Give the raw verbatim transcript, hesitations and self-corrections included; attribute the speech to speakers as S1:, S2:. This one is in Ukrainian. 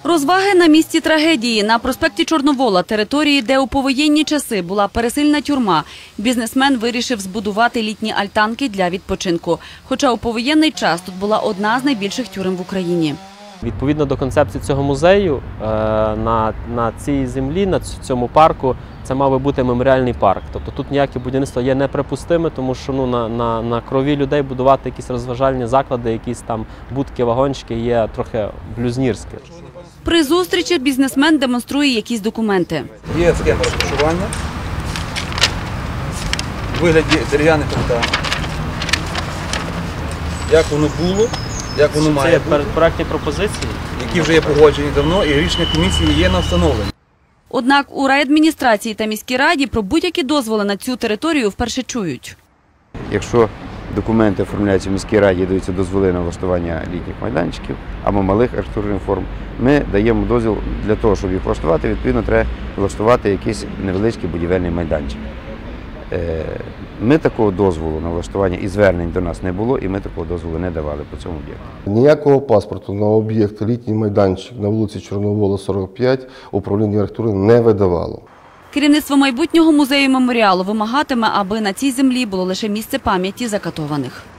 S1: Розваги на місці трагедії. На проспекті Чорновола, території, де у повоєнні часи була пересильна тюрма, бізнесмен вирішив збудувати літні альтанки для відпочинку. Хоча у повоєнний час тут була одна з найбільших тюрем в Україні.
S2: Відповідно до концепції цього музею, на, на цій землі, на цьому парку, це мав би бути меморіальний парк. Тобто тут ніяке будівництво є неприпустиме, тому що ну, на, на, на крові людей будувати якісь розважальні заклади, якісь там будки, вагончики є трохи блюзнірське.
S1: При зустрічі бізнесмен демонструє якісь документи.
S3: Є схема розташування, у вигляді дерев'яних фонтанів. Як воно було, як воно має бути.
S2: Це проектні пропозиції,
S3: які вже є погоджені давно, і рішення комісії є на встановлення.
S1: Однак у райадміністрації та міській раді про будь-які дозволи на цю територію вперше чують.
S4: Якщо документи оформляються в міській раді, даються дозволи на влаштування літніх майданчиків або малих архітектурних форм, ми даємо дозвіл для того, щоб їх влаштувати, відповідно, треба влаштувати якийсь невеличкий будівельний майданчик. Ми такого дозволу на влаштування і звернень до нас не було, і ми такого дозволу не давали по цьому об'єкту.
S5: Ніякого паспорту на об'єкт літній майданчик на вулиці Чорновола, сорок п'ять управління архітектури не видавало.
S1: Керівництво майбутнього музею меморіалу вимагатиме, аби на цій землі було лише місце пам'яті закатованих.